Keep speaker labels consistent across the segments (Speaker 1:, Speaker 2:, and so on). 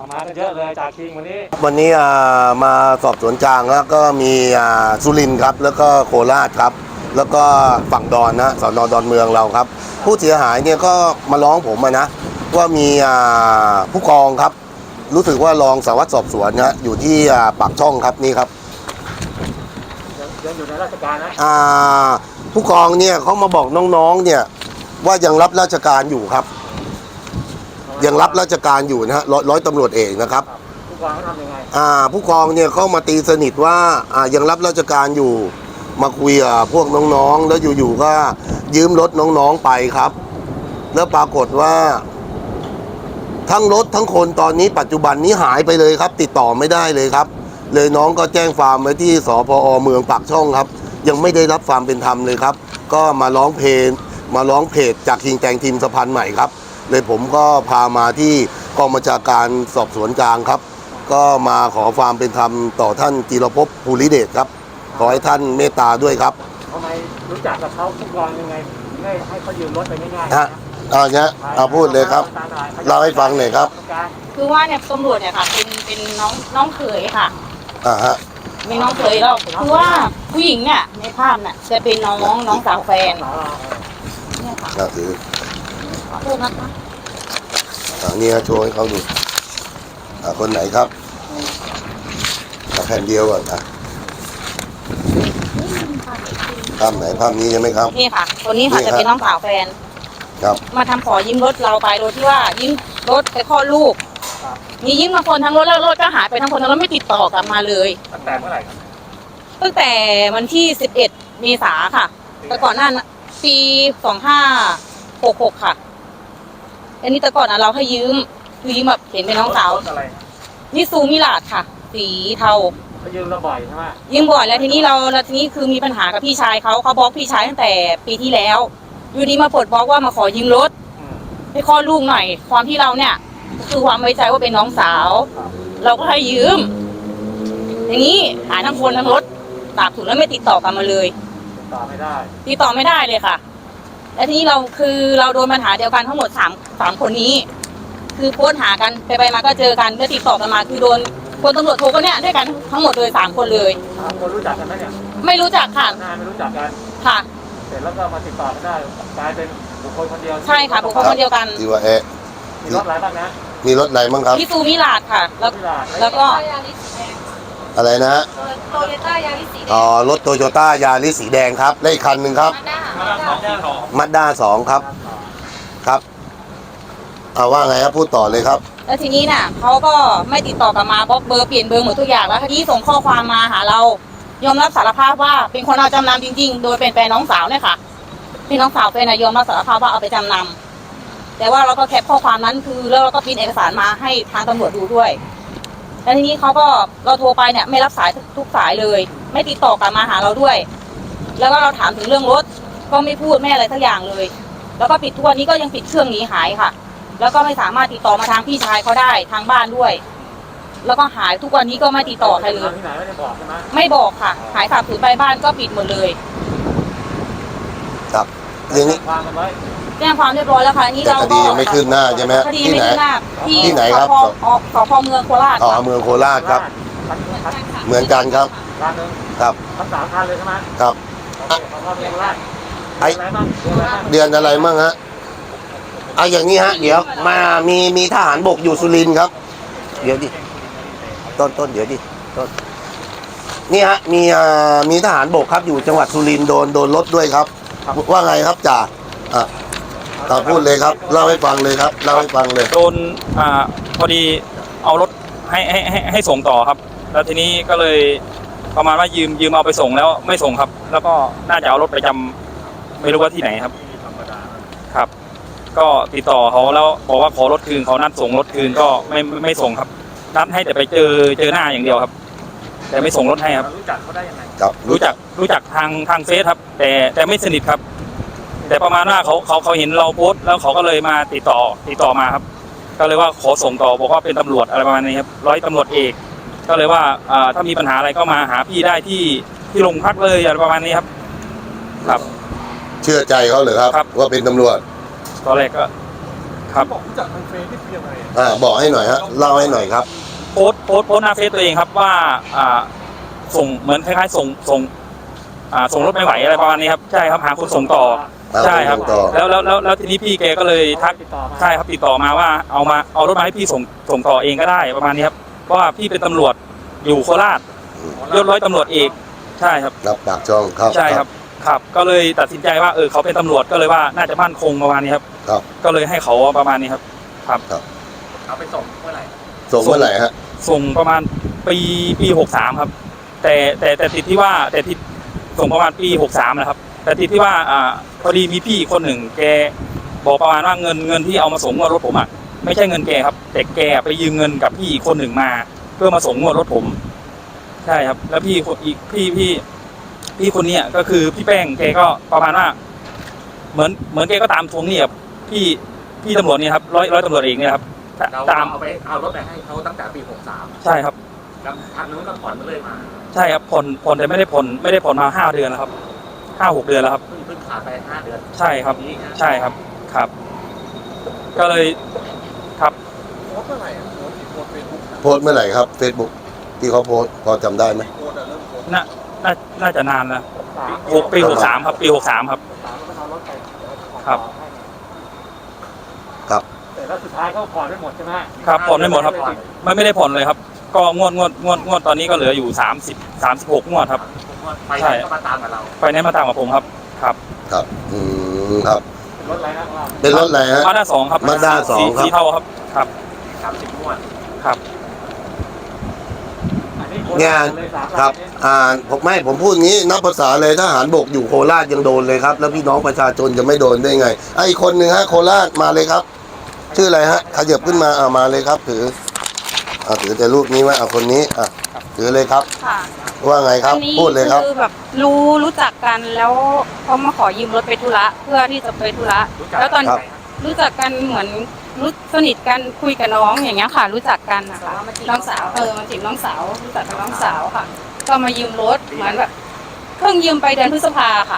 Speaker 1: มากันเยอะเลยจากคิงวันนี้
Speaker 2: มาสอบสวนกลางแล้วก็มีสุรินทร์ครับแล้วก็โคราชครับแล้วก็ฝั่งดอนนะสน.ดอนเมืองเราครับผู้เสียหายเนี่ยก็มาร้องผมนะว่ามีผู้กองครับรู้สึกว่ารองสารวัตรสอบสวนนะอยู่ที่ปากช่องครับนี่ครับ
Speaker 1: ยังอยู่ในราชการนะ
Speaker 2: ผู้กองเนี่ยเขามาบอกน้องๆเนี่ยว่ายังรับราชการอยู่ครับยังรับราชการอยู่นะฮะร้อยตำรวจเอกนะครับ
Speaker 1: ผู้กองเขาทำยังไง
Speaker 2: ผู้กองเนี่ยเขามาตีสนิทว่ายังรับราชการอยู่มาคุยกับพวกน้องๆแล้วอยู่ๆก็ยืมรถน้องๆไปครับแล้วปรากฏว่าทั้งรถทั้งคนตอนนี้ปัจจุบันนี้หายไปเลยครับติดต่อไม่ได้เลยครับเลยน้องก็แจ้งความไว้ที่สพอเมืองปากช่องครับยังไม่ได้รับความเป็นธรรมเลยครับก็มาร้องเพจจากคิงแตงทีมสะพานใหม่ครับเลยผมก็พามาที่กองบัญชาการสอบสวนกลางครับก็มาขอความเป็นธรรมต่อท่านจิรภพภูริเดชครับขอให้ท่านเมตตาด้วยครับ
Speaker 1: ทำไมรู้จักกับเขาผู้กองยังไงให้เขายืมรถไปง่าย
Speaker 2: ๆฮะเอาพูดเลยครับเล่าให้ฟังหน่อยครับ
Speaker 3: คือว่าเนี่ยตำรวจเนี่ยค่ะเป็นน้องเขยค่ะ
Speaker 2: ฮะ
Speaker 3: มีน้องเขยเราคือว่าผู้หญิงเนี่ยในภาพเนี่ยจะเป็นน้องสาวแฟนเนี่ยค่ะ
Speaker 2: ถือ
Speaker 3: พูดนะคะ
Speaker 2: นี่โชว์ให้เขาดูคนไหนครับแผ่นเดียวก่อนภาพไหนภาพนี้ใช่ไหมครับ
Speaker 3: นี่ค่ะคนนี้ค่ะจะเป็นน้องสาวแฟน
Speaker 2: ครับ
Speaker 3: มาทำขอยืมรถเราไปโดยที่ว่ายืมรถไปคลอดลูกมียืมมาคนทั้งรถแล้วรถก็หายไปทั้งคนทั้งรถไม่ติดต่อกลับมาเลย
Speaker 1: ตั้งแต่เมื่อไหร่ครับ
Speaker 3: ตั้งแต่วันที่11 เมษาค่ะแต่ก่อนหน้าปี2566ค่ะอันนี้แต่ก่อนเราให้ยืมคือยืมแบบเห็นเป็นน้องสาวนี่ซูมิลาดค่ะสีเทา
Speaker 1: ยืมเราบ่อยใช่ไหม
Speaker 3: ยืมบ่อยแล้วทีนี้คือมีปัญหากับพี่ชายเขาบล็อกพี่ชายตั้งแต่ปีที่แล้วอยู่ดีมาปลดบล็อกว่ามาขอยืมรถให้คลอดลูกหน่อยความที่เราเนี่ยคือความไว้ใจว่าเป็นน้องสาวเราก็ให้ยืมอย่างนี้หาทั้งคนทั้งรถตากถูกแล้วไม่ติดต่อกันมาเลย
Speaker 1: ติดต่อไม่
Speaker 3: ได้เลยค่ะและทีนี้เราโดนปัญหาเดียวกันทั้งหมด3คนนี้คือโพสหากันไปมาก็เจอกันก็ติดต่อกันมาคือโดนคนตำรวจโทรก็เนี่ยด้วยกันทั้งหมดเลย3คนเลย
Speaker 1: คนรู้จักกันไหมเนี่ย
Speaker 3: ไม่รู้จักค่ะ
Speaker 1: ไม่รู้จักกัน
Speaker 3: ค่ะ
Speaker 1: เสร็จแล้วก็มาติดต่อกันได้กลายเป็นบุคคลคนเดียว
Speaker 3: ใช่ค่ะบุคคลคนเดียวกัน
Speaker 2: ที่ว่า
Speaker 1: มีรถอะไรบ้างนะ
Speaker 2: มีรถไหนบ้างครับ
Speaker 3: ที่ซูมิลาดค่ะแล้วก็
Speaker 2: อะไรนะ
Speaker 3: โตโยต้ายาริสสีแดง
Speaker 2: รถโตโยต้ายาริสสีแดงครับและอีกคันหนึ่งครับมัดด้า2ครับครับว่าไงครับพูดต่อเลยครับ
Speaker 3: แล้วทีนี้น่ะเขาก็ไม่ติดต่อกลับมาบล็อกเบอร์เปลี่ยนเบอร์หมดทุกอย่างแล้วทีนี้ส่งข้อความมาหาเรายอมรับสารภาพว่าเป็นคนเอาจำนำจริงๆโดยเป็นแฟนน้องสาวเนี่ยค่ะพี่น้องสาวแฟนยอมรับสารภาพว่าเอาไปจำนำแต่ว่าเราก็แคปข้อความนั้นคือแล้วเราก็พิมพ์เอกสารมาให้ทางตำรวจดูด้วยแล้วทีนี้เราโทรไปเนี่ยไม่รับสายทุกสายเลยไม่ติดต่อกลับมาหาเราด้วยแล้วก็เราถามถึงเรื่องรถก็ไม่พูดไม่อะไรสักอย่างเลยแล้วก็ปิดทุกวันนี้ก็ยังปิดเครื่องหนีหายค่ะแล้วก็ไม่สามารถติดต่อมาทางพี่ชายเขาได้ทางบ้านด้วยแล้วก็หายทุกวันนี้ก็ไม่ติดต่อใครเลย
Speaker 1: ที่ไหนไม่ได้บอกใช่ไหม
Speaker 3: ไม่บอกค่ะหายสาบสูญไปบ้านก็ปิดหมดเลย
Speaker 2: ครับเรื่องนี้
Speaker 3: แจ้งความเรียบร้อยแล้วค่ะนี่เรา
Speaker 2: ก็คดีไม่ขึ้นหน้าใช่ไหม
Speaker 3: คดีไม่ขึ้นหน้า
Speaker 2: ที่ไหนครับ
Speaker 3: สพเมืองโคราช
Speaker 2: เมืองโคราชครับเหมือนกันครับครับ
Speaker 1: ทั้ง3 คันเลยใช่ไหม
Speaker 2: ครับเดือนอะไรมั่งฮะอย่างนี้ฮะเดี๋ยวมามีทหารบกอยู่สุรินทร์ครับเดี๋ยวดิต้นเดี๋ยวดิต้นนี่ฮะมีทหารบกครับอยู่จังหวัดสุรินทร์โดนรถด้วยครับว่าไงครับจ่าพูดเลยครับเล่าให้ฟังเลยครับเล่าให้ฟังเลย
Speaker 4: โดนพอดีเอารถให้ส่งต่อครับแล้วทีนี้ก็เลยประมาณว่ายืมเอาไปส่งแล้วไม่ส่งครับแล้วก็น่าจะเอารถไปจำไม่รู้ว่าที่ไหนครับครับก็ติดต่อเขาแล้วบอกว่าขอรถคืนเขานัดส่งรถคืนก็ไม่ส่งครับนัดให้แต่ไปเจอหน้าอย่างเดียวครับแต่ไม่ส่งรถให้ครับ
Speaker 1: รู้จักเขาได้ยังไง
Speaker 2: ครับ
Speaker 4: รู้จักทางเฟซครับแต่ไม่สนิทครับแต่ประมาณว่าเขาเห็นเราโพสต์แล้วเขาก็เลยมาติดต่อมาครับก็เลยว่าขอส่งต่อบอกว่าเป็นตำรวจอะไรประมาณนี้ครับร้อยตำรวจเอกก็เลยว่าถ้ามีปัญหาอะไรก็มาหาพี่ได้ที่โรงพักเลยอะไรประมาณนี้ครับครับ
Speaker 2: เชื่อใจเขาเหรอครับว่าเป็นตำรวจ
Speaker 4: ตอนแรกก็ครับ
Speaker 1: บอกรู้จักทางเฟซที่เพียงไง
Speaker 2: บอกให้หน่อยฮะเล่าให้หน่อยครับ
Speaker 4: โพสต์หน้าเฟซตัวเองครับว่าส่งเหมือนคล้ายๆส่งรถไม่ไหวอะไรประมาณนี้ครับใช่ครับหาคนส่งต่อใช่ครับ
Speaker 2: หาคนส่งต่อ
Speaker 4: แล้วทีนี้พี่แกก็เลยทัก
Speaker 1: ติดต่อมา
Speaker 4: ใช่ครับติดต่อมาว่าเอารถมาให้พี่ส่งต่อเองก็ได้ประมาณนี้ครับเพราะว่าพี่เป็นตำรวจอยู่โคราชยศร้อยตำรวจเอกใช่ครับ
Speaker 2: รับปากช่องครับ
Speaker 4: ใช่ครับครับก็เลยตัดสินใจว่าเขาเป็นตำรวจก็เลยว่าน่าจะมั่นคงประมาณนี้ครับ
Speaker 2: ครับ
Speaker 4: ก็เลยให้เขาประมาณนี้ครับครับ
Speaker 1: เอาไปส่งเมื่อไหร่
Speaker 2: ส่งเมื่อไหร่ฮะ
Speaker 4: ส่งประมาณปี63ครับแต่ติดที่ว่าแต่ที่ส่งประมาณปี63นะครับแต่ติดที่ว่าพอดีมีพี่คนหนึ่งแกบอกประมาณว่าเงินที่เอามาส่งงวดรถผมอ่ะไม่ใช่เงินแกครับแต่แกไปยืมเงินกับพี่อีกคนหนึ่งมา เพื่อมาส่งงวดรถผมใช่ครับแล้วพี่คนเนี้ยก็คือพี่แป้งแกก็ประมาณว่าเหมือนแกก็ตามทวงหนี้กับพี่ตำรวจเนี่ยครับร้อยตำรวจเอกเนี่ยครับตาม
Speaker 1: เอารถไปให้เขาตั้งแต่ปี 63
Speaker 4: ใช่ครับ
Speaker 1: แล้วทางนู้นก็ผ่อนมาเลยมา
Speaker 4: ใช่ครับผ่อนแต่ไม่ได้ผ่อนมา5 เดือนแล้วครับ5-6 เดือนแล้วครับ
Speaker 1: เพิ่งขาดไป5 เดือน
Speaker 4: ใช่ครับใช่ครับครับ ก็เลยครับ
Speaker 1: โพสเมื่อไหร่โพสเฟซบุ๊ก
Speaker 2: โพสต์เมื่อไหร่ครับ Facebook ที่เขาโพสต์พอจำได้ไหม
Speaker 1: โพสเริ่มโพส
Speaker 4: น่าจะนานแล้วปี63ครับปี63ครับ
Speaker 1: ก็เอารถไป
Speaker 4: ครับ
Speaker 2: ครับ
Speaker 1: แต่แล้วสุดท้ายก็ผ่อนไม่หมดใช่ไหม
Speaker 4: ครับผ่อนไม่หมดครับไม่ได้ผ่อนเลยครับ ก็งวดตอนนี้ก็เหลืออยู่36งวดครับ
Speaker 1: ไปไหนก็มาตามกับเรา
Speaker 4: ไฟแนนซ์มาตามกับผมครับครับ
Speaker 2: ครับครับ
Speaker 1: เป็นรถอะไรนะว่า
Speaker 2: เป็นรถอะไรฮะ
Speaker 4: มาด้า2ครับ
Speaker 2: Mazda 2 ครับ
Speaker 4: สีเทาครับครับ
Speaker 1: 30 งวด
Speaker 4: ครับ
Speaker 1: อันนี้
Speaker 2: งานครับผมพูดงี้นับภาษาเลยทหารบกอยู่โคราชยังโดนเลยครับ แล้วพี่น้องประชาชนจะไม่โดนได้ไงอีกคนหนึ่งฮะโคราชมาเลยครับ ชื่ออะไรฮะขยับขึ้นมามาเลยครับถือแต่รูปนี้ไว้คนนี้ถือเลยครับ
Speaker 3: ค่ะ
Speaker 2: ว่าไงครับ
Speaker 3: อันนี้
Speaker 2: พูดเลยครับ
Speaker 3: คือแบบรู้จักกันแล้วเขามาขอยืมรถไปธุระเพื่อที่จะไปธุระแล้วตอน
Speaker 2: ครับ
Speaker 3: รู้จักกันเหมือนรู้สนิทกันคุยกับน้องอย่างเงี้ยค่ะ รู้จักกันนะคะน้องสาวมาจีบน้องสาวรู้จักกับน้องสาวค่ะ ก็มายืมรถเหมือนแบบเพิ่งยืมไปเดือนพฤษภาค่ะ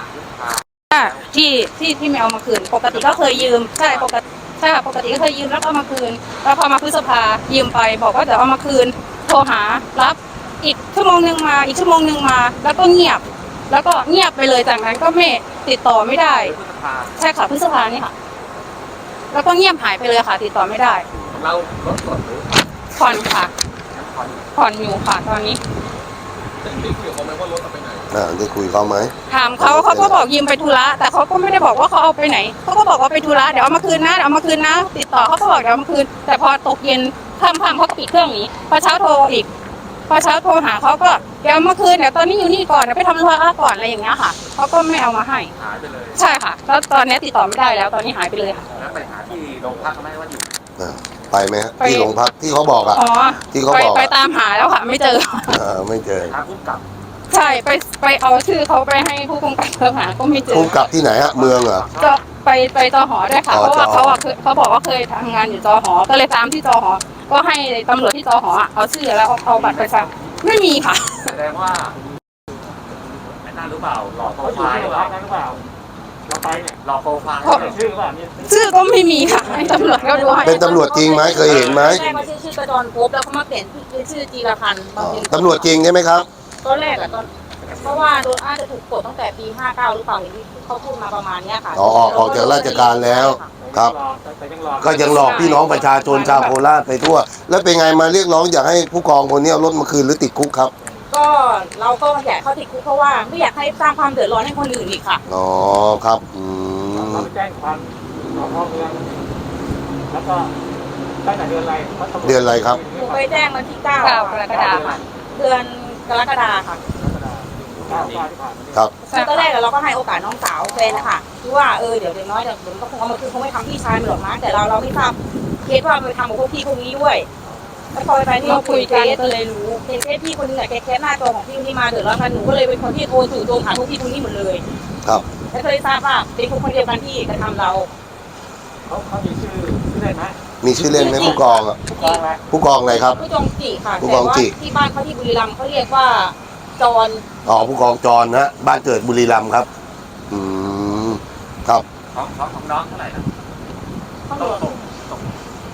Speaker 3: ที่ไม่เอามาคืนปกติก็เคยยืมใช่ปกติก็เคยยืมแล้วก็เอามาคืนแล้วพอมาพฤษภายืมไปบอกว่าเดี๋ยวเอามาคืนโทรหารับอีกชั่วโมงนึงมาอีกชั่วโมงนึงมาแล้วก็เงียบไปเลยจากนั้นก็ไม่ติดต่อไม่ได้
Speaker 1: พฤษภา
Speaker 3: ใช่ค่ะพฤษภานี่ค่ะ แล้วก็เงียบหายไปเลยค่ะ ติดต่อไม่ได้
Speaker 1: เรารถสดหรือ
Speaker 3: ผ่อนค่ะ
Speaker 1: ผ่อน
Speaker 3: ผ่อนอยู่ค่ะตอนนี้
Speaker 1: ได้คุยกับเขาไหมว่ารถเอาไปไหน
Speaker 2: ได้คุยเขาไหม
Speaker 3: ถามเขาก็บอกยืมไปธุระแต่เขาก็ไม่ได้บอกว่าเขาเอาไปไหนเขาก็บอกว่าไปธุระเดี๋ยวเอามาคืนนะเดี๋ยวเอามาคืนนะ ติดต่อเขาก็บอกเดี๋ยวเอามาคืน แต่พอตกเย็นค่ำๆเขาก็ปิดเครื่องหนี้พอเช้าโทรอีกพอเช้าโทรหาเขาก็เดี๋ยวเอามาคืนเดี๋ยวตอนนี้อยู่นี่ก่อนเดี๋ยวไปทำธุระก่อนอะไรอย่างเงี้ยค่ะเขาก็ไม่เอามาให้
Speaker 1: หายไปเลย
Speaker 3: ใช่ค่ะ แล้วตอนนี้ติดต่อไม่ได้แล้วตอนนี้หายไปเลยค่ะ
Speaker 1: แล้วไปหาที่โรงพักเขาไหมว่าอยู่
Speaker 2: ไปไหมฮะ
Speaker 3: ไป
Speaker 2: ที่โรงพักที่เขาบอก
Speaker 3: อ๋อ
Speaker 2: ที่เขาบอก
Speaker 3: ไปตามหาแล้วค่ะ ไม่เจอ
Speaker 2: ไม่เจอ
Speaker 1: ทางผู้กำกับ
Speaker 3: ใช่ไปเอาชื่อเขาไปให้ผู้กำกับหาก็ไม่เจอ
Speaker 2: ภูมิกับที่ไหนฮะเมืองเหรอ
Speaker 3: ก็ไปจอหอด้วยค่ะ
Speaker 2: อ๋อ
Speaker 3: เพราะว่า
Speaker 2: จอหอ
Speaker 3: เขาบอกว่าเคยทำงานอยู่จอหอ ก็เลยตามที่จอหอ ก็ให้ตำรวจที่จอหอเอาชื่อแล้วเอาบัตรประชาชนไม่มีค่ะ
Speaker 1: แสดงว่าไอ้นั่นหรือเปล่าหลอกโปรไฟล์หรือเปล่าเราไปเนี่ยหลอกโปรไฟล์ชื่อเปล่าเนี่ย
Speaker 3: ชื่อก็ไม่มีค่ะให้ตำรวจก็ดูให้
Speaker 2: เป็นตำรวจจริงไหมเคยเห็นไหม
Speaker 3: แรกว่าชื่อกระจรภพแล้วเขามาเปลี่ยนเป็นชื่อจีรพันธ์มาเป็น
Speaker 2: ตำรวจจริงใช่ไหมครับ
Speaker 3: ตอนแรกอะเพราะว่าโดนอาจจะถูกกดตั้งแต่ปี 59 หรือเปล่าอย่างที่เขาพูดมาประมาณเนี้ยค่ะ
Speaker 2: ออกจากราชการแล้ว ครับ
Speaker 1: แต่ยังหลอก
Speaker 2: ก็ยังหลอกพี่น้องประชาชนชาวโคราชไปทั่ว แล้วเป็นไงมาเรียกร้องอยากให้ผู้กองคนนี้เอารถมาคืนหรือติดคุกครับ
Speaker 3: ก็เราก็อยากเข้าติดคุกเพราะว่าไม่อยากให้สร้างความเดือดร้อนให้คนอื่นอีกค่ะ
Speaker 2: อ๋อครับ
Speaker 1: เราไปแจ้งความสพเมืองแล้วก็ตั้งแต่เดือนอะไร
Speaker 2: เดือนอะไรครับ
Speaker 3: หนูไปแจ้งวันที่ 9 กรกฎาคมเดือนกรกฎาคมค่ะ
Speaker 1: 9 ที่ผ่านมา
Speaker 2: ครับ
Speaker 3: คือตอนแรกเราก็ให้โอกาสน้องสาวแฟนนะคะที่ว่าเดี๋ยวน้อยเดี๋ยวมันก็คงเอามาคือคงไม่ทำพี่ชายมันหรอกนะแต่เราไม่ทราบเคสว่ามันไปทำกับพวกพี่พวกนี้ด้วยแล้วพอไปที่เราคุยกันก็เลยรู้เห็นเคสพี่คนนึงแกหน้าจอของพี่ที่มาเดือดร้อนกันหนูก็เลยเป็นคนที่โทรจู่โจมหาพวกพี่พวกนี้หมดเลย
Speaker 2: ครับ
Speaker 3: แล้วก็เลยทราบว่าเป็นคนเดียวกันที่กระทำเรา
Speaker 1: เขามีชื่อได้ไหม
Speaker 2: มีชื่อเล่นไหมผู้กองอ่ะ
Speaker 1: ผู้กองอะไร
Speaker 2: ผู้กองอะไรครับ
Speaker 3: ผู้จองจีค่ะ
Speaker 2: ผู้
Speaker 3: แต่
Speaker 2: กอง
Speaker 3: ว่า
Speaker 2: จิ
Speaker 3: ที่บ้านเขาที่บุรีรัมย์เขาเรียกว่าจร
Speaker 2: ผู้กองจรนะบ้านเกิดบุรีรัมย์ครับ ครับ
Speaker 1: ของน้องเท่าไหร่นะ
Speaker 3: ต้อง
Speaker 1: ส่ง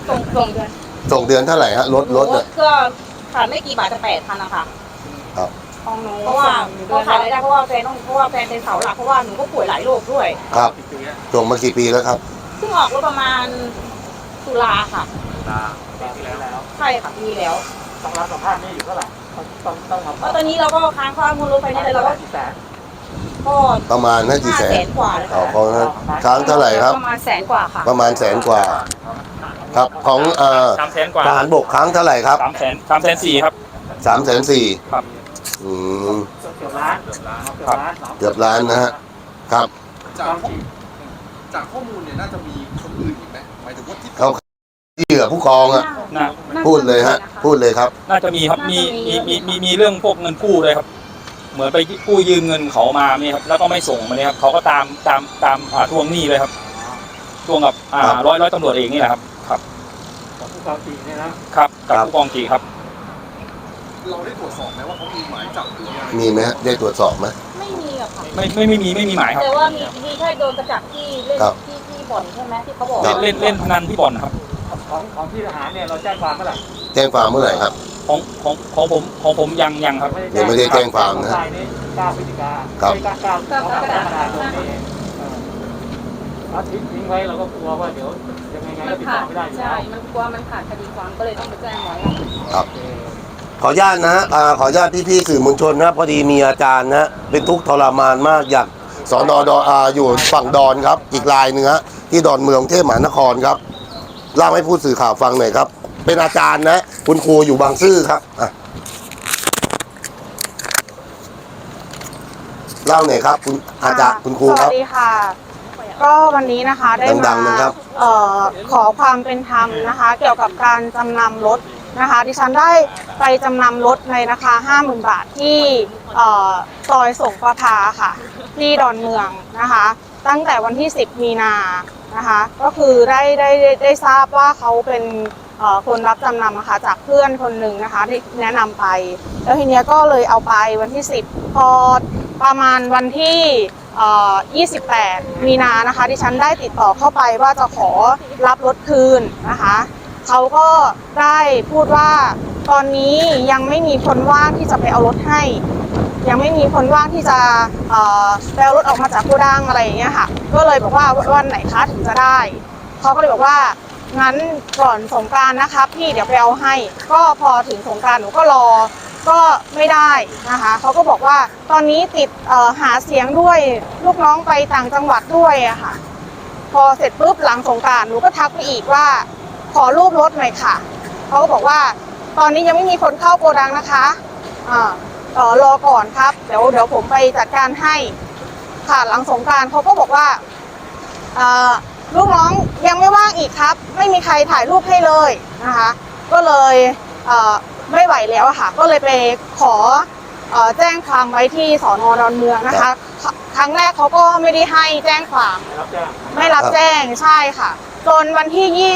Speaker 3: ส่งเดือน
Speaker 2: ส่งเดือนเท่าไหร่ฮะรถเนี่ย
Speaker 3: ก็ขาดไม่กี่บาทจะ8,000นะคะ
Speaker 2: ครับ
Speaker 3: ของหนูเพราะว่าก็ขายรายได้เพราะว่าแฟนเป็นเสาหลักเพราะว่าหนูก็ป่วยหลายโรคด้วย
Speaker 2: ครับส่งมากี่ปีแล้วครับ
Speaker 3: เพิ่งออกรถประมาณตุลาค่ะ
Speaker 1: ปีที่แล้ว
Speaker 3: ใช่ค่ะปีแล้ว
Speaker 1: ต้องรับสภาพนี่อยู่เท่าไหร่ต้องมา
Speaker 3: แล้วตอนนี้เราก็ค้างค่ามูลรถไฟนี่เลยเราก็
Speaker 1: กี่แสน
Speaker 3: ก็
Speaker 2: ประมาณน่ากี่แสน
Speaker 3: 500,000 กว่าเลย
Speaker 2: อ๋อ
Speaker 3: ค่ะ
Speaker 2: ของนะค้างเท่าไหร่ครับ
Speaker 3: ประมาณ100,000 กว่าค่ะ
Speaker 2: ประมาณ100,000 กว่า ครับของ
Speaker 4: 300,000 กว่า
Speaker 2: ทหารบกค้างเท่าไหร่ครับ
Speaker 4: 300,004ครับ
Speaker 2: 340,000
Speaker 4: ครับ
Speaker 2: อืม
Speaker 1: เกือบล้าน
Speaker 2: เกือบล้านนะฮะครับ
Speaker 5: จากข้อมูลเนี่ยน่าจะมีคนอื่นอีกไหมหมายถึงว่าที่
Speaker 2: เขาเหยื่อผู้กองอ่ะ
Speaker 4: น่า
Speaker 2: พูดเลยฮะ พูดเลยครับ
Speaker 4: น่าจะมีครับมีเรื่องพวกเงินกู้ด้วยครับ เหมือนไปกู้ยืมเงินเขามาเนี่ยครับแล้วก็ไม่ส่งมาเนี่ยครับเขาก็ตามทวงหนี้เลยครับทวงกับ
Speaker 2: ครับ
Speaker 4: ร้อยตำรวจเองนี่แหละครับครับ
Speaker 1: ของผู้กองจีเนี่ยนะครับ
Speaker 4: กับ
Speaker 2: ครับ
Speaker 4: ผู้กองจีครับ
Speaker 5: เราได้ตรวจสอบไหมว่าเขามีหมายจับหรืออะไร
Speaker 2: มีไหมฮะได้ตรวจสอบไหม
Speaker 3: ไม่มีอะค่ะ
Speaker 4: ไม่มีหมายครับ
Speaker 3: แต่ว่ามีแค่โดนกระจับที่เล่น
Speaker 2: ครับ
Speaker 3: ที่บ่อนใช่ไหมที่เขาบอก
Speaker 2: ครับ
Speaker 4: เล่นพนันที่บ่อนครับ
Speaker 1: ของที่ทหารเนี่ยเราแจ้งความเมื่อไหร่
Speaker 2: แจ้งความเมื่อไหร่ครับ
Speaker 4: ของผมยังครับ
Speaker 2: ยังไม่ได้แจ้งความนะ
Speaker 1: ไฟนี้9 พฤศจิกา
Speaker 2: ครับ
Speaker 1: 9กรกฎาคมนี้ถ้าทิ้งไว้เราก็กลัวว่าเดี๋ยวยังไงก็ติดต่อไม่ได้อยู่แล้ว
Speaker 3: ใช่ มันกลัวมันขาดคดีความก็เลยต้องไปแจ้งไว้
Speaker 2: ครับขออนุญาตนะฮะขออนุญาตพี่ๆสื่อมวลชนนะพอดีมีอาจารย์นะเป็นทุกข์ทรมานมากอยากสอนดอยู่ฝั่งดอนครับ อีกรายหนึ่งฮะที่ดอนเมืองกรุงเทพมหานครครับเล่าให้ผู้สื่อข่าวฟังหน่อยครับ เป็นอาจารย์นะคุณครูอยู่บางซื่อครับอ่ะเล่าหน่อยครับคุณอาจารย์คุณครู
Speaker 6: ส
Speaker 2: ค
Speaker 6: วั
Speaker 2: รับ
Speaker 6: สดีค่ะ ก็วันนี้นะคะได้
Speaker 2: ดั
Speaker 6: มาง
Speaker 2: ๆนะครับ
Speaker 6: ขอความเป็นธรรมนะคะ เกี่ยวกับการจำนำรถนะคะดิฉันได้ไปจำนำรถในราคา 50,000 บาทที่ซอยสงประภาค่ะ ที่ดอนเมืองนะคะ ตั้งแต่วันที่ 10 มีนานะคะ ก็คือได้ทราบว่าเขาเป็นคนรับจำนำนะคะจากเพื่อนคนหนึ่งนะคะที่แนะนำไป แล้วทีเนี้ยก็เลยเอาไปวันที่ 10 พอประมาณวันที่28 มีนานะคะดิฉันได้ติดต่อเข้าไปว่าจะขอรับรถคืนนะคะเขาก็ได้พูดว่าตอนนี้ยังไม่มีคนว่างที่จะไปเอารถให้ ยังไม่มีคนว่างที่จะไปเอารถออกมาจากโกดังอะไรอย่างเงี้ยค่ะก็เลยบอกว่าวันไหนคะถึงจะได้เขาก็เลยบอกว่างั้นก่อนสงกรานต์นะครับพี่เดี๋ยวไปเอาให้ก็พอถึงสงกรานต์หนูก็รอก็ไม่ได้นะคะเขาก็บอกว่าตอนนี้ติดหาเสียงด้วยลูกน้องไปต่างจังหวัดด้วยอะค่ะพอเสร็จปุ๊บหลังสงกรานต์หนูก็ทักไปอีกว่าขอรูปรถหน่อยค่ะเขาก็บอกว่าตอนนี้ยังไม่มีคนเข้าโกดังนะคะรอก่อนครับเดี๋ยวผมไปจัดการให้ค่ะหลังสงกรานต์เขาก็บอกว่าลูกน้องยังไม่ว่างอีกครับไม่มีใครถ่ายรูปให้เลยนะคะก็เลยไม่ไหวแล้วอะค่ะก็เลยไปขอแจ้งความไว้ที่สน.ดอนเมืองนะคะครั้งแรกเขาก็ไม่ได้ให้แจ้งความไม่รับแจ้งใช่ค่ะจนวันที่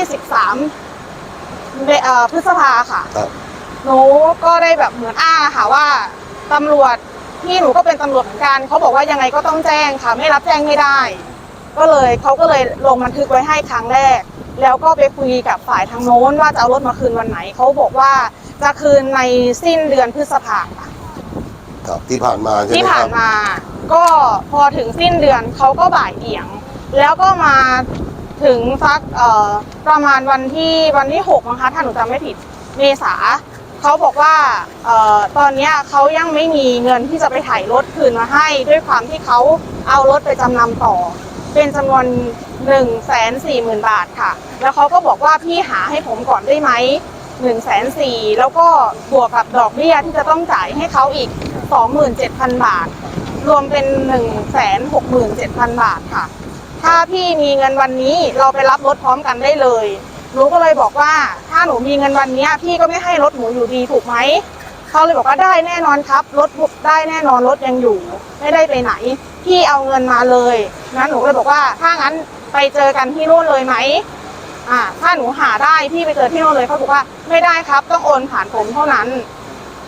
Speaker 6: 23พฤษภาค่ะหนูก็ได้แบบเหมือนอ้างค่ะว่าตำรวจที่หนูก็เป็นตำรวจเหมือนกันเขาบอกว่ายังไงก็ต้องแจ้งค่ะไม่รับแจ้งไม่ได้เขาก็เลยลงบันทึกไว้ให้ครั้งแรกแล้วก็ไปคุยกับฝ่ายทางโน้นว่าจะเอารถมาคืนวันไหนเขาบอกว่าจะคืนในสิ้นเดือนพฤษภาคม
Speaker 2: ครับที่ผ่านมาใช่ไหมครับ
Speaker 6: ที่ผ่านมาก็พอถึงสิ้นเดือนเขาก็บ่ายเบี่ยงแล้วก็มาถึงสักประมาณวันที่6นะคะถ้าหนูจำไม่ผิดเมษาเขาบอกว่าตอนนี้เขายังไม่มีเงินที่จะไปถ่ายรถคืนมาให้ด้วยความที่เขาเอารถไปจำนำต่อเป็นจำนวน140,000 บาทค่ะแล้วเขาก็บอกว่าพี่หาให้ผมก่อนได้ไหม140,000แล้วก็บวกกับดอกเบี้ยที่จะต้องจ่ายให้เขาอีก 27,000 บาทรวมเป็น167,000 บาทค่ะถ้าพี่มีเงินวันนี้เราไปรับรถพร้อมกันได้เลยหนูก็เลยบอกว่าถ้าหนูมีเงินวันนี้พี่ก็ไม่ให้รถหนูอยู่ดีถูกไหมเขาเลยบอกว่าได้แน่นอนครับรถได้แน่นอนรถยังอยู่ไม่ได้ไปไหนพี่เอาเงินมาเลยงั้นหนูเลยบอกว่าถ้างั้นไปเจอกันที่นู่นเลยไหมถ้าหนูหาได้พี่ไปเจอที่นู่นเลยเขาบอกว่าไม่ได้ครับต้องโอนผ่านผมเท่านั้น
Speaker 2: ครับ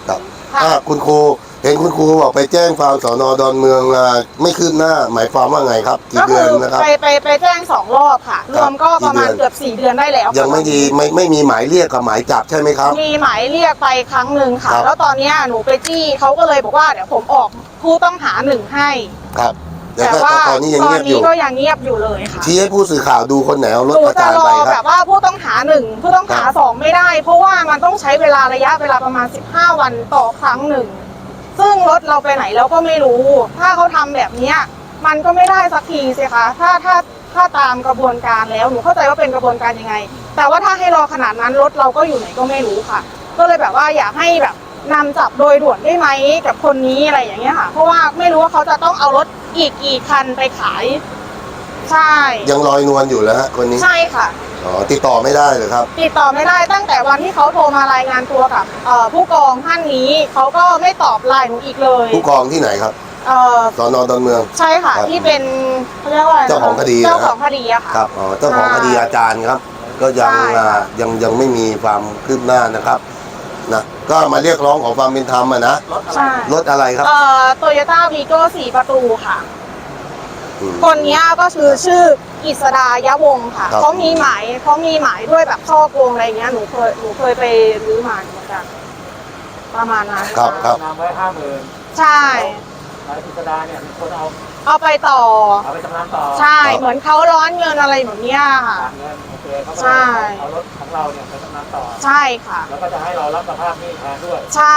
Speaker 6: ค่ะ
Speaker 2: คุณครูเห็นคุณครูบอกไปแจ้งความสน.ดอนเมืองไม่คืบหน้า หมายความว่าไงครับกี่
Speaker 6: ก็
Speaker 2: เดื
Speaker 6: คื
Speaker 2: อน
Speaker 6: อ
Speaker 2: นะครับ
Speaker 6: ไปแจ้ง2 รอบค่ะ รวมก็ประมาณ
Speaker 2: กี่เดือน
Speaker 6: เกือบ4 เดือนได้แล้ว
Speaker 2: ยังไม่ดีไม่มีหมายเรียกกับหมายจับใช่ไหมครับ
Speaker 6: มีหมายเรียกไปครั้งหนึ่งค่ะ
Speaker 2: ครับ
Speaker 6: แล้วตอนเนี้ยหนูไปจี้เขาก็เลยบอกว่าเดี๋ยวผมออกผู้ต้องหา1ให้
Speaker 2: ครับแต่
Speaker 6: แต่
Speaker 2: ก็
Speaker 6: ว่า
Speaker 2: ตอนนี้ยัง
Speaker 6: ตอ
Speaker 2: เงี
Speaker 6: น
Speaker 2: ยบอ
Speaker 6: นี้
Speaker 2: ยู่
Speaker 6: ก็ยังเงียบอยู่เลยค่ะ
Speaker 2: ชี้ให้ผู้สื่อข่าวดูคนไหนเอารถ
Speaker 6: หนู
Speaker 2: ประ
Speaker 6: จะ
Speaker 2: จาน
Speaker 6: รอ
Speaker 2: ไปค
Speaker 6: แบ
Speaker 2: รับบ
Speaker 6: ว่าผู้ต้องหา1ผู้ต้องหา
Speaker 2: ครับ
Speaker 6: 2ไม่ได้ เพราะว่ามันต้องใช้ระยะเวลาประมาณ15 วันต่อครั้งหนึ่งซึ่งรถเราไปไหนเราก็ไม่รู้ ถ้าเขาทำแบบเนี้ยมันก็ไม่ได้สักทีสิคะถ้าตามกระบวนการแล้วหนูเข้าใจว่าเป็นกระบวนการยังไง แต่ว่าถ้าให้รอขนาดนั้นรถเราก็อยู่ไหนก็ไม่รู้ค่ะ ก็เลยแบบว่าอยากให้แบบนำจับโดยด่วนได้ไหมกับคนนี้อะไรอย่างเงี้ยค่ะ เพราะว่าไม่รู้ว่าเขาจะต้องเอารถอีกกี่คันไปขาย ใช่
Speaker 2: ยังลอยนวลอยู่แล้วฮะคนนี้
Speaker 6: ใช่ค่ะ
Speaker 2: อ๋อติดต่อไม่ได้เลยครับ
Speaker 6: ติดต่อไม่ได้ตั้งแต่วันที่เขาโทรมารายงานตัวกับผู้กองท่านนี้เขาก็ไม่ตอบไลน์หนูอีกเลย
Speaker 2: ผู้กองที่ไหนครับ สน.ดอนเมือง
Speaker 6: ใช่ค่ะ
Speaker 2: ครับ
Speaker 6: ที่เป็นเขาเรียกว่าอะไรนะ
Speaker 2: เจ้าของคดี
Speaker 6: เจ้าของคดีอะค่ะ
Speaker 2: ครับอ๋อเจ้าของคดีอาจารย์ครับ ก็ยัง
Speaker 6: ใช่ค่ะ
Speaker 2: ยังไม่มีความคืบหน้านะครับนะก็มาเรียกร้องขอความเป็นธรรมอะนะ
Speaker 6: ใช่
Speaker 2: รถอะไรครับ
Speaker 6: โตโยต้าวีโก้4 ประตูค่ะ
Speaker 2: อืม
Speaker 6: คนเนี้ยก็คือชื่อกฤษดายะวงศ์ค่ะ
Speaker 2: ครับ
Speaker 6: เขามีหมายด้วยแบบช่อโกงอะไรเงี้ยหนูเคยไปรื้อมาเหมือนกันประมาณนั้น
Speaker 2: ครับครับ
Speaker 1: นำไว้50,000
Speaker 6: ใช่
Speaker 1: นายกฤษดาเนี่ยเป็นคนเอา
Speaker 6: เอาไปต่อ
Speaker 1: เอาไปจำนำต่อ
Speaker 6: ใช่ เหมือนเขาร้อนเงินอะไรแบบเนี้ยค่ะ
Speaker 1: ฝากเงินโอเคเขาก็
Speaker 6: ใช่
Speaker 1: เอารถของเราเนี่ยไปจำนำต่อ
Speaker 6: ใช่ค่ะ
Speaker 1: แล้วก็จะให้เรารับสภาพหนี้แทนด้วย
Speaker 6: ใช่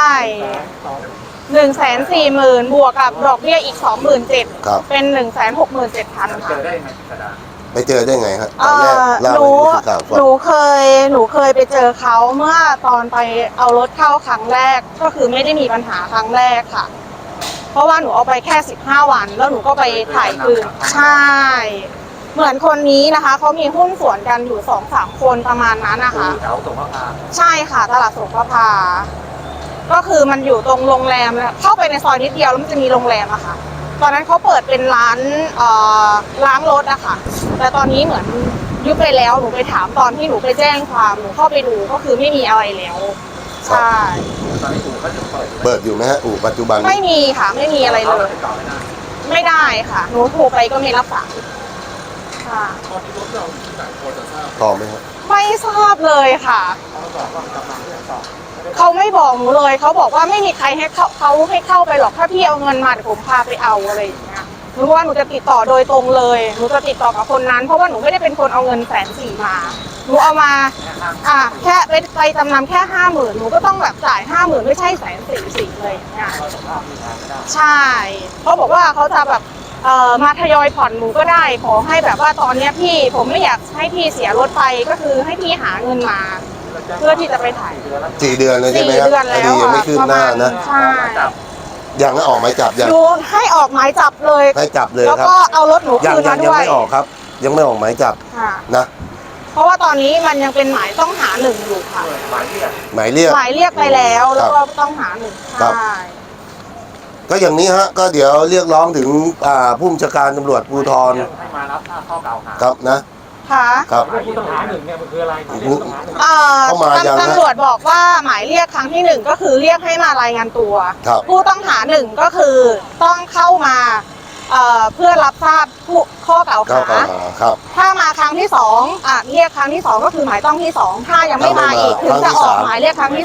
Speaker 6: 140,000 บวกกับดอกเบี้ยอีก 27,000
Speaker 2: ครับ
Speaker 6: เป็น 167,000
Speaker 1: เจ
Speaker 6: ค่ะ
Speaker 1: อได้ยังไงกฤษดา
Speaker 2: ไปเจอได้ไงฮะตอนแรกเล่า
Speaker 6: หนู
Speaker 2: ให้ผู้สื่อข่าวฟัง
Speaker 6: หนูเคยไปเจอเขาเมื่อตอนไปเอารถเข้าครั้งแรกก็คือไม่ได้มีปัญหาครั้งแรกค่ะ เพราะว่าหนูเอาไปแค่15 วันแล้วหนูก็ไปถ่ายคืนใช่ เหมือนคนนี้นะคะเขามีหุ้นส่วนกันอยู่ 2-3 คนประมาณนั้นนะคะ
Speaker 1: แถวสงขลา
Speaker 6: ใช่ค่ะตลาดสงประภาก็คือมันอยู่ตรงโรงแรมแล้วเข้าไปในซอยนิดเดียวแล้วมันจะมีโรงแรมอะค่ะ ตอนนั้นเขาเปิดเป็นร้านล้างรถอะค่ะ แต่ตอนนี้เหมือนยุบไปแล้วหนูไปถามตอนที่หนูไปแจ้งความหนูเข้าไปดูก็คือไม่มีอะไรแล้วใช่
Speaker 1: ตอนนี้อู่ก็จะเปิดอยู่
Speaker 2: เปิดอยู่ไหมฮะอู่ปัจจุบัน
Speaker 6: ไม่มีค่ะไม่มีอะไรเล
Speaker 1: เรา
Speaker 6: ย
Speaker 1: ติดต่อไม่ได้
Speaker 6: ไม่ได้ค่ะหนูโทรไปก็ไม่รับสายค่ะ
Speaker 5: ตอนที่รถเราอยู่ที่ไหนพอจะทราบ
Speaker 2: ต่อไหมฮะ
Speaker 6: ไม่ทราบเลยค่ะ
Speaker 1: เขาบอกว่ากำลังติดต่อ
Speaker 6: เขาไม่บอกหนูเลยเขาบอกว่าไม่มีใครให้เข้าไปหรอกถ้าพี่เอาเงินมาเดี๋ยวผมพาไปเอาอะไรอย่างเงี้ยหนูว่าหนูจะติดต่อโดยตรงเลยหนูจะติดต่อกับคนนั้น เพราะว่าหนูไม่ได้เป็นคนเอาเงิน140,000มาหนูเอามาแค่ไปจำนำแค่50,000หนูก็ต้องแบบจ่าย50,000ไม่ใช่144,000เลยอย่างเงี้ย
Speaker 1: เราสภาพมีทางไม่ได้
Speaker 6: ใช่เขาบอกว่าเขาจะแบบมาทยอยผ่อนหนูก็ได้ขอให้แบบว่าตอนเนี้ยพี่ผมไม่อยากให้พี่เสียรถไปก็คือให้พี่หาเงินมา เพื่อที่จะไปถ่าย
Speaker 2: 4 เดือนเลยใช่ไหม
Speaker 6: 4
Speaker 2: ครับ
Speaker 6: เดือน
Speaker 2: ค
Speaker 6: แล้
Speaker 2: ดี
Speaker 6: ว
Speaker 2: ยังไม่คืบหน้านะ
Speaker 6: ใช่
Speaker 2: ยังไม่ออกหมายจับยัง
Speaker 6: ดูให้ออกหมายจับเลย
Speaker 2: ให้จับเลย
Speaker 6: แล้ว
Speaker 2: ครับ
Speaker 6: ก็เอารถหนู
Speaker 2: ยัง
Speaker 6: คืน
Speaker 2: ยั
Speaker 6: มาง
Speaker 2: ยัง
Speaker 6: ด้วย
Speaker 2: ไม่ออกครับ ยังไม่ออกหมายจับ
Speaker 6: ค่ะ
Speaker 2: นะ
Speaker 6: เพราะว่าตอนนี้มันยังเป็นหมายต้องหาหนึ่งอยู่ค่ะ
Speaker 1: หมายเรียก
Speaker 2: หมายเรียก
Speaker 6: หมายเรียกไปแล้วแล้วก็ต้องหาหนึ่ง
Speaker 2: ครับ
Speaker 6: ใช่
Speaker 2: ก็อย่างนี้ฮะก็เดี๋ยวเรียกร้องถึงผู้บัญชาการตำรวจภูธร
Speaker 1: ให้มารับข้อกล่าวหา
Speaker 2: ครับนะ
Speaker 6: ค่ะ
Speaker 2: ครับ
Speaker 1: ผู้ต้องหาหนึ่งเนี่ยมันคืออะไรผู้ต้องหาหนึ่ง
Speaker 2: เข้ามายังฮะ
Speaker 6: ตำรวจบอกว่าหมายเรียกครั้งที่1ก็คือเรียกให้มารายงานตัว
Speaker 2: ครับ
Speaker 6: ผู้ต้องหา1ก็คือต้องเข้ามาเพื่อรับทราบข้อกล่าว
Speaker 2: เข้า
Speaker 6: หา
Speaker 2: ครับ
Speaker 6: ถ้ามาครั้งที่2เรียกครั้งที่2ก็คือหมายต้องที่2ถ้ายังไม่มาอีกถึงจะออกหมายเรียกครั้งที่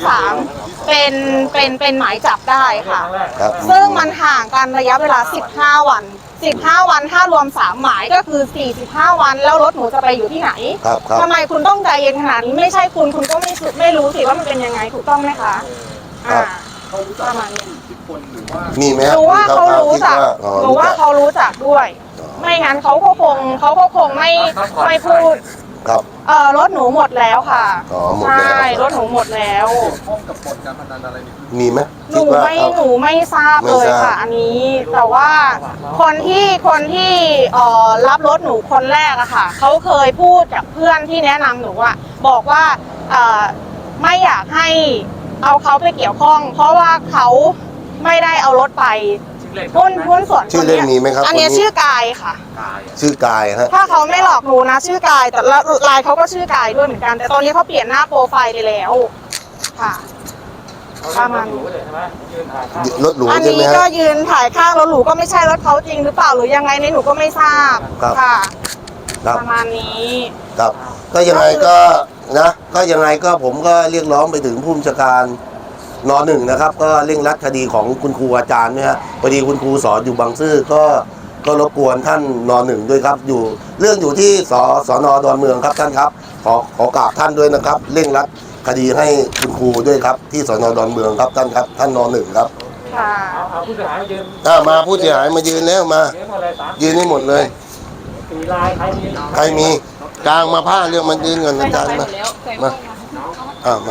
Speaker 6: 3เป็นหมายจับได้ค่ะ
Speaker 2: ครับ
Speaker 6: ซึ่งมันห่างกันระยะเวลา15 วัน15 วันถ้ารวม3หมายก็คือ45 วันแล้วรถหนูจะไปอยู่ที่ไหน
Speaker 2: ครับครับ
Speaker 6: ทำไมคุณต้องใจเย็นขนาดนี้ไม่ใช่คุณก็ไม่รู้สิว่ามันเป็นยังไงถูกต้องไหมคะ
Speaker 2: ครับ
Speaker 5: เขารู้จัก
Speaker 6: ประมาณนี้
Speaker 5: อิทธิพลหรือว่า
Speaker 2: มีไหม
Speaker 6: ห
Speaker 2: ฮะ
Speaker 6: นูว่าเขารู้จัก
Speaker 2: อ๋อ
Speaker 6: หนู
Speaker 2: รู้
Speaker 6: ว่า
Speaker 2: จัก
Speaker 6: เขารู้จักด้วย ไม่งั้นเขาก็คงไม่พูด
Speaker 2: ครับ
Speaker 6: รถหนูหมดแล้วค่ะ
Speaker 2: อ๋อหมดแล้ว
Speaker 6: ใช่รถหนูหมดแล้ว
Speaker 5: เกี่ยวข้องกับบ่อนการพนันอะไรนี่คือ
Speaker 2: มีไหม
Speaker 6: หนูไม่ทราบเลยค่ะ อันนี้ แต่ว่าคนที่รับรถหนูคนแรกอะค่ะเขาเคยพูดกับเพื่อนที่แนะนำหนูอะบอกว่าไม่อยากให้เอาเขาไปเกี่ยวข้อง เพราะว่าเขาไม่ได้เอารถไปหุ้นส่วน
Speaker 2: ชื่อเล่นมีไหมครับ
Speaker 6: อันนี้
Speaker 2: คนนี้
Speaker 6: ชื่อกายค่ะ
Speaker 2: ชื่อกายฮะ
Speaker 6: ถ้าเขาไม่หลอกหนูนะชื่อกายแต่ไลน์เขาก็ชื่อกายด้วยเหมือนกัน แต่ตอนนี้เขาเปลี่ยนหน้าโปรไฟล์ไปแล้วค่ะ
Speaker 1: เ
Speaker 6: ประมาณ
Speaker 1: รู้เลยใช่ไหมยืนถ่ายภาพ
Speaker 2: รถหรู
Speaker 6: อัน
Speaker 2: ใช่ไหม
Speaker 6: นี้
Speaker 2: ฮะ
Speaker 6: ก็ยืนถ่ายข้างรถหรูก็ไม่ใช่รถเขาจริงหรือเปล่าหรือยังไงในยหนูก็ไม่ทราบ
Speaker 2: ครับ
Speaker 6: ค่ะ
Speaker 2: ครับ
Speaker 6: ประมาณนี้
Speaker 2: ครับก็ยังไงก็นะก็ยังไงก็ผมก็เรียกร้องไปถึงผู้บัญชาการนหนึ่งนะครับ ก็เร่งรัดคดีของคุณครูอาจารย์เนี่ยฮะพอดีคุณครูสอนอยู่บางซื่อก็รบกวนท่านนหนึ่งด้วยครับอยู่เรื่องอยู่ที่สนดอนเมืองครับท่านครับขอกราบท่านด้วยนะครับเร่งรัดคดีให้คุณครูด้วยครับที่สนดอนเมืองครับท่านครับท่านนหนึ่งครับ
Speaker 6: ค่ะ
Speaker 1: เอาผู้เสียหายมายืน
Speaker 2: มาผู้เสียหายมายืนแล้วมา
Speaker 1: ยืนหมดเลยสาม
Speaker 2: ยืนให้หมดเลย
Speaker 1: สี่ลายใครมี
Speaker 2: ใครมีกลางมาผ้าเรื่องมันยืนเงินอาจารย์มามามา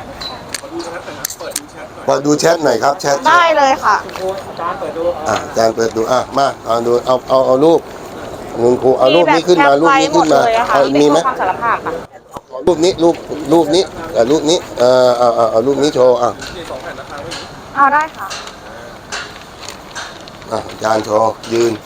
Speaker 2: เปิดดูแชทหน่อยครับแชท
Speaker 6: ได้เลยค่ะ
Speaker 1: คุณครูอาจารย์เปิดดู
Speaker 2: อาจารย์เปิดดูมาเอาดูเอารูปคุณครูเอารูปนี้ขึ้นมารูปนี้ขึ้นมาเอามีไหม
Speaker 6: ความสารภาพค่ะ
Speaker 2: รูปนี้รูปนี้รูปนี้เอารูปนี้โชว์
Speaker 6: เอาได้ค่ะ
Speaker 2: อาจารย์โชว์ยืน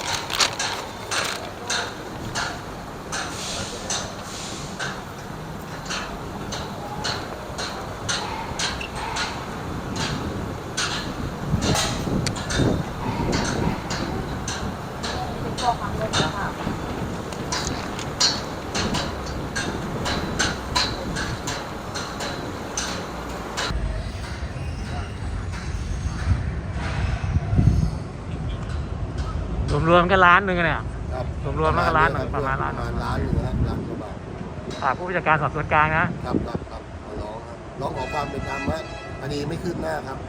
Speaker 1: รวมๆกันล้านหนึ่งเนี่ยรวมๆแล้วก็ล้านหนึ่งประมาณล้าน
Speaker 2: ล้านหนึ่งนะครับล้านกว่าบาท
Speaker 1: ฝากผู้บัญชาการสอบสวนกลางนะครับ
Speaker 2: ร้องขอความเป็นธรรมฮะคดีไม่คืบหน้าครับ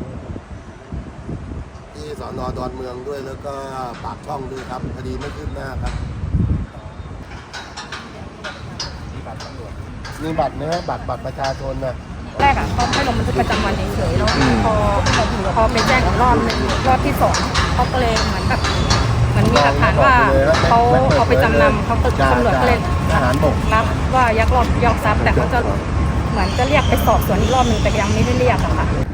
Speaker 2: ที่สนดอนเมืองด้วยแล้วก็ปากช่องด้วยครับคดีไม่คืบหน้าครับมีบัตรไหมฮะบัตรประชาชนนะ
Speaker 7: แรกเขาให้ลงบันทึกประจำวันเฉยๆแล้วพอไปแจ้งอีกรอบหนึ่งรอบที่สองเขาก็เลยเหมือนแบบมันมีหลักฐานว่าเขาเอาไปจำนำเขาตำรวจก็เลย
Speaker 2: ทหารบก
Speaker 7: รับว่ายักยอกทรัพย์แต่เขาจะเหมือนจะเรียกไปสอบสวนอีกรอบหนึ่งแต่ยังไม่ได้เรียกอะค่ะ